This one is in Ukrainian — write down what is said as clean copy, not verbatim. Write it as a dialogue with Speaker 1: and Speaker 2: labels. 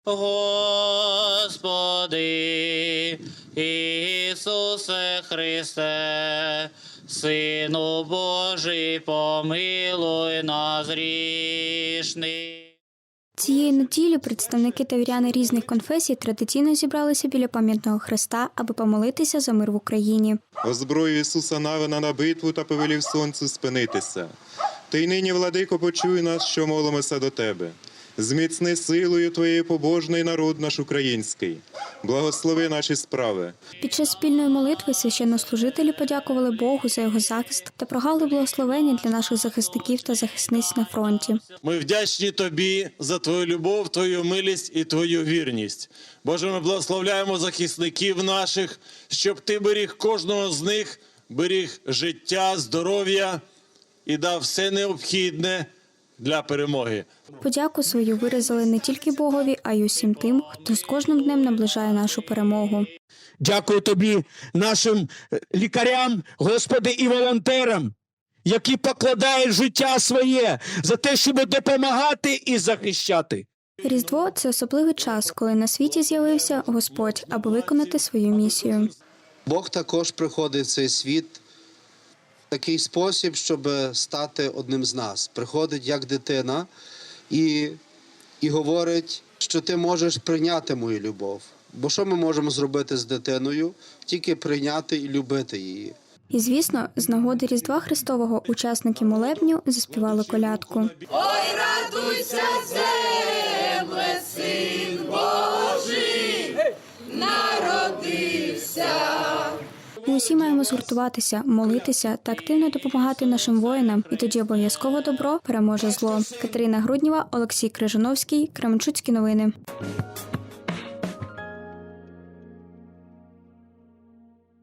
Speaker 1: Господи, Ісусе Христе, Сину Божий, помилуй нас грішних.
Speaker 2: Цієї неділі представники та віряни різних конфесій традиційно зібралися біля пам'ятного хреста, аби помолитися за мир в Україні.
Speaker 3: Озброїв Ісуса Навина на битву та повелів сонцю спинитися. Ти й нині, владико, почуй нас, що молимося до Тебе. Зміцни силою Твоєю побожний народ наш український. Благослови наші справи.
Speaker 2: Під час спільної молитви священнослужителі подякували Богу за його захист та прохали благословення для наших захисників та захисниць на фронті.
Speaker 4: Ми вдячні Тобі за Твою любов, Твою милість і Твою вірність. Боже, ми благословляємо захисників наших, щоб Ти беріг кожного з них, беріг життя, здоров'я і дав все необхідне для перемоги.
Speaker 2: Подяку свою виразили не тільки Богові, а й усім тим, хто з кожним днем наближає нашу перемогу.
Speaker 5: Дякую Тобі, нашим лікарям, Господи, і волонтерам, які покладають життя своє за те, щоб допомагати і захищати.
Speaker 2: Різдво – це особливий час, коли на світі з'явився Господь, аби виконати свою місію.
Speaker 6: Бог також приходить в цей світ в такий спосіб, щоб стати одним з нас. Приходить як дитина і говорить, що ти можеш прийняти мою любов. Бо що ми можемо зробити з дитиною? Тільки прийняти і любити її.
Speaker 2: І, звісно, з нагоди Різдва Христового учасники молебню заспівали колядку.
Speaker 7: Ой, радуйся, земле, Син Божий народився.
Speaker 2: Ми усі маємо згуртуватися, молитися та активно допомагати нашим воїнам. І тоді обов'язково добро переможе зло. Катерина Груднєва, Олексій Крижановський, Кременчуцькі новини.